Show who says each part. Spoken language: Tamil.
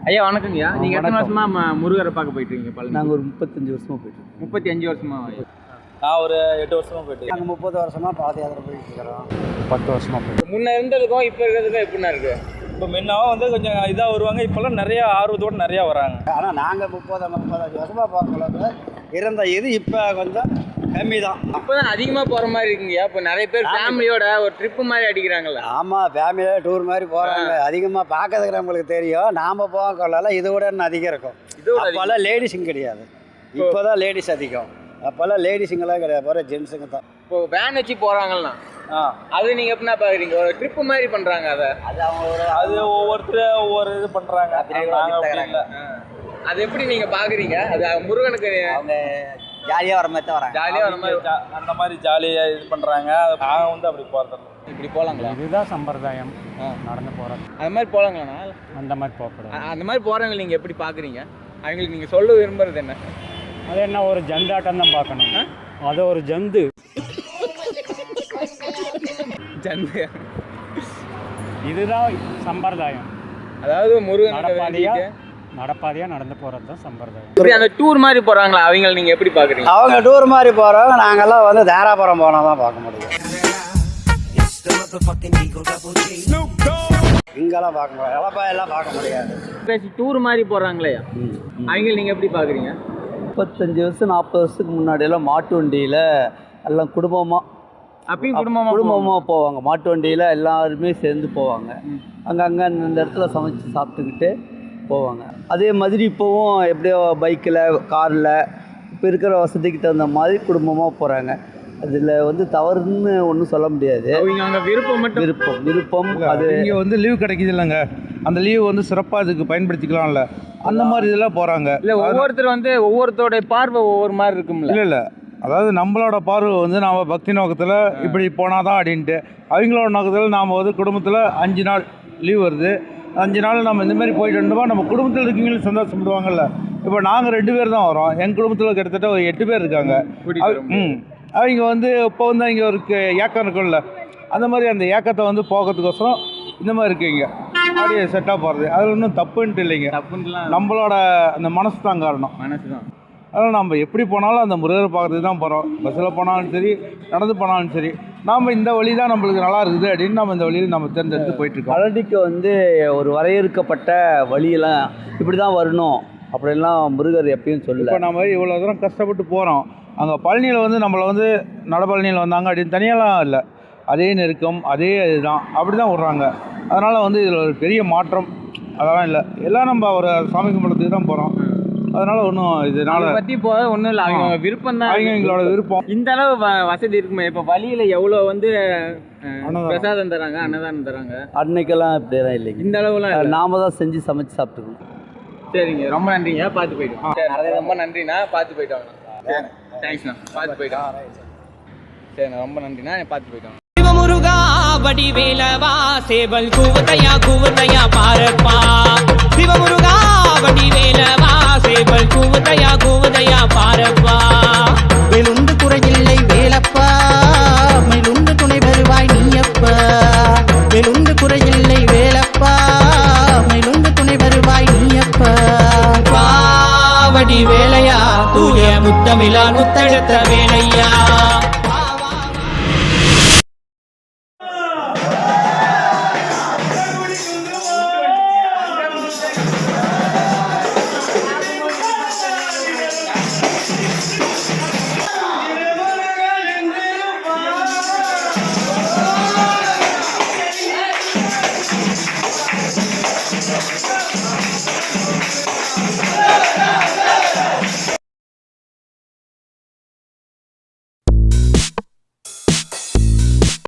Speaker 1: ஐயா வணக்கங்கய்யா. நீங்கள் எத்தனை வருஷமா முருகரை பார்க்க போயிட்டு இருக்கீங்க பழனி?
Speaker 2: நாங்கள் ஒரு 35 வருஷமாக போயிட்டு
Speaker 1: 35 வருஷமா?
Speaker 3: நான் ஒரு 8 வருஷமாக போயிட்டு
Speaker 2: நாங்கள் 30 வருஷமாக பாத யாத்திரை போயிட்டு இருக்கிறோம். 10 வருஷமாக போயிட்டு.
Speaker 1: முன்ன இருந்ததுக்கும் இப்போ இருக்கிறதுக்கும் எப்படின்னா இருக்கு?
Speaker 3: இப்போ முன்னாவும் வந்து கொஞ்சம் இதாக வருவாங்க, இப்போல்லாம் நிறையா ஆர்வத்தோடு நிறையா வராங்க.
Speaker 2: ஆனால் நாங்கள் 35 வருஷமாக பார்க்கல இருந்த இது இப்போ கொஞ்சம் கம்மி தான்.
Speaker 1: இப்போ தான் அதிகமாக போகிற மாதிரி இருக்குங்கய்யா. இப்போ நிறைய பேர் ஃபேமிலியோட ஒரு ட்ரிப்பு மாதிரி அடிக்கிறாங்கல்ல?
Speaker 2: ஆமாம், ஃபேமிலியோட டூர் மாதிரி போகிறாங்க. அதிகமாக பார்க்கறதுக்கு தெரியும். நாம் போகலாம் இதை விட இன்னும் அதிகம் இருக்கும். அப்போல்லாம் லேடிஸுங்க கிடையாது, இப்போ தான் லேடிஸ் அதிகம். அப்போல்லாம் லேடிஸுங்கெல்லாம் கிடையாது, போகிற ஜென்ஸுங்க தான்.
Speaker 1: இப்போ வேன் வச்சு போகிறாங்கல்லாம் அது நீங்கள் எப்படின்னா பார்க்குறீங்க? ஒரு ட்ரிப்பு மாதிரி பண்ணுறாங்க.
Speaker 2: அது அவங்க
Speaker 3: அது ஒவ்வொருத்தர் ஒவ்வொரு இது பண்ணுறாங்க.
Speaker 1: அது எப்படி நீங்கள் பார்க்குறீங்க? அது முருகனுக்கு
Speaker 2: அவங்க ஜாலியாக வர மாதிரி தான் வராங்க.
Speaker 1: ஜாலியாக வர மாதிரி
Speaker 3: அந்த மாதிரி ஜாலியாக இது பண்ணுறாங்க. நாங்கள் வந்து அப்படி போகிறது
Speaker 1: இப்படி போகலாங்களா?
Speaker 4: இதுதான் சம்பிரதாயம், நடந்து போகிறது.
Speaker 1: அது மாதிரி போகலாங்களாண்ணா?
Speaker 4: அந்த மாதிரி போகக்கூடாது.
Speaker 1: அந்த மாதிரி போகிறவங்க நீங்கள் எப்படி பார்க்குறீங்க? அவங்களுக்கு நீங்கள் சொல்ல விரும்புறது என்ன?
Speaker 4: அது என்ன, ஒரு ஜந்தாட்டம் தான் பார்க்கணும். அது ஒரு ஜந்து
Speaker 1: ஜந்து.
Speaker 4: இதுதான் சம்பிரதாயம்.
Speaker 1: அதாவது முருகன்
Speaker 4: நடப்பாதையாக நடந்து போகிறது தான் சம்பிரதாயம்.
Speaker 1: இப்படி அந்த டூர் மாதிரி போகிறாங்களா, அவங்களை நீங்கள் எப்படி பார்க்குறீங்க?
Speaker 2: அவங்க டூர் மாதிரி போகிறவங்க நாங்கள்லாம் வந்து தாராபுரம் போனால் தான் பார்க்க முடியும். இங்கெல்லாம் பார்க்க முடியாது, எல்லாம் பார்க்க முடியாது.
Speaker 1: டூர் மாதிரி போகிறாங்களே அவங்களை நீங்கள் எப்படி பார்க்குறீங்க?
Speaker 2: 35 வருஷம் 40 வருஷத்துக்கு முன்னாடியெல்லாம் மாட்டு வண்டியில் எல்லாம் குடும்பமாக
Speaker 1: அப்பயும்
Speaker 2: குடும்பமாக போவாங்க. மாட்டு வண்டியில் எல்லாருமே சேர்ந்து போவாங்க. அங்கங்கே இந்த இடத்துல சமைச்சு சாப்பிட்டுக்கிட்டு போவாங்க. அதே மாதிரி இப்போவும் எப்படியோ பைக்கில் காரில் இப்போ இருக்கிற வசதிக்கு தகுந்த மாதிரி குடும்பமாக போகிறாங்க. அதில் வந்து தவறுன்னு ஒன்றும் சொல்ல முடியாது. விருப்பம் அது
Speaker 5: இங்கே வந்து லீவ் கிடைக்கிது இல்லைங்க, அந்த லீவ் வந்து சிறப்பாக இதுக்கு பயன்படுத்திக்கலாம்ல, அந்த மாதிரி இதெல்லாம் போகிறாங்க.
Speaker 1: இல்லை, ஒவ்வொருத்தர் வந்து ஒவ்வொருத்தரோடைய பார்வை ஒவ்வொரு மாதிரி இருக்கும்ல.
Speaker 5: இல்லை அதாவது நம்மளோட பார்வை வந்து நாம் பக்தி நோக்கத்தில் இப்படி போனால் தான் அப்படின்ட்டு, அவங்களோட நோக்கத்தில் நாம் வந்து குடும்பத்தில் 5 நாள் லீவ் வருது, 5 நாள் நம்ம இந்தமாரி போயிட்டு வந்தோமா நம்ம குடும்பத்தில் இருக்கீங்களும் சந்தோஷப்படுவாங்கல்ல. இப்போ நாங்கள் 2 பேர் தான் வரோம், எங்கள் குடும்பத்தில் கிட்டத்தட்ட ஒரு 8 பேர் இருக்காங்க. அவங்க வந்து இப்போ வந்து இங்கே ஒரு ஏக்கம் இருக்கும்ல, அந்த மாதிரி அந்த ஏக்கத்தை வந்து போகிறதுக்கோசரம் இந்த மாதிரி இருக்குங்க அப்படியே செட்டாக போகிறது. அதில் ஒன்றும் தப்புன்ட்டு இல்லைங்க, நம்மளோட அந்த மனசு தான் காரணம். அதனால் நம்ம எப்படி போனாலும் அந்த முருகரை பார்க்குறதுக்கு தான் போகிறோம். பஸ்ஸில் போனாலும் சரி, நடந்து போனாலும் சரி, நாம் இந்த வழி தான் நம்மளுக்கு நல்லா இருக்குது அப்படின்னு நம்ம இந்த வழியில் நம்ம தேர்ந்தெடுத்து போயிட்டுருக்கோம்.
Speaker 2: பழனிக்கு வந்து ஒரு வரையறுக்கப்பட்ட வழியெல்லாம் இப்படி தான் வரணும் அப்படின்லாம் முருகர் எப்பயும் சொல்லல.
Speaker 5: இப்போ நம்ம இவ்வளோ தூரம் கஷ்டப்பட்டு போகிறோம், அங்கே பழனியில் வந்து நம்மளை வந்து நடப்பழனியில் வந்தாங்க அப்படின்னு தனியாலாம் இல்லை, அதே நெருக்கம் அதே இதுதான், அப்படி தான் விட்றாங்க. அதனால் வந்து இதில் ஒரு பெரிய மாற்றம் அதெல்லாம் இல்லை, எல்லாம் நம்ம ஒரு சாமி கும்பிடத்துக்கு தான் போகிறோம். அதனால் ஒன்றும் இதனால
Speaker 1: பற்றி போக ஒன்றும் இல்லை, அவங்க விருப்பம் தான்,
Speaker 5: எங்களோட விருப்பம்.
Speaker 1: இந்த அளவு வசதி இருக்குமே. இப்போ வழியில் எவ்வளோ வந்து பிரசாதம் தராங்க, அன்னதானம் தராங்க,
Speaker 2: அன்னைக்கெல்லாம் இப்படியெல்லாம் இல்லைங்க.
Speaker 1: இந்த அளவுலாம்
Speaker 2: நாம தான் செஞ்சு சமைச்சு சாப்பிட்டுக்கணும்.
Speaker 1: சரிங்க, ரொம்ப நன்றிங்க, பார்த்து போயிட்டோம். ரொம்ப நன்றிண்ணா, பார்த்து போயிட்டோம். தேங்க்ஸ்ண்ணா, பார்த்து போயிட்டோம். சரிண்ணா, ரொம்ப நன்றிண்ணா, பார்த்து போயிட்டோம்.
Speaker 6: சிவமுருகா வடிவேலவா சேவல் கூவத்தையா பாரப்பா. சிவமுருகா வடிவேலவா சேவல் கூவத்தையா பாரப்பா.
Speaker 7: வேலுண்டு குறையில்லை வேலப்பா, மேலுண்டு துணை வருவாய் நீயப்பா. வேலுண்டு குறையில்லை வேலப்பா, மேலுண்டு துணை வருவாய் நீயப்பா.
Speaker 6: வடிவேலையா தூய முத்தமிழா முத்தெடுத்த வேலையா.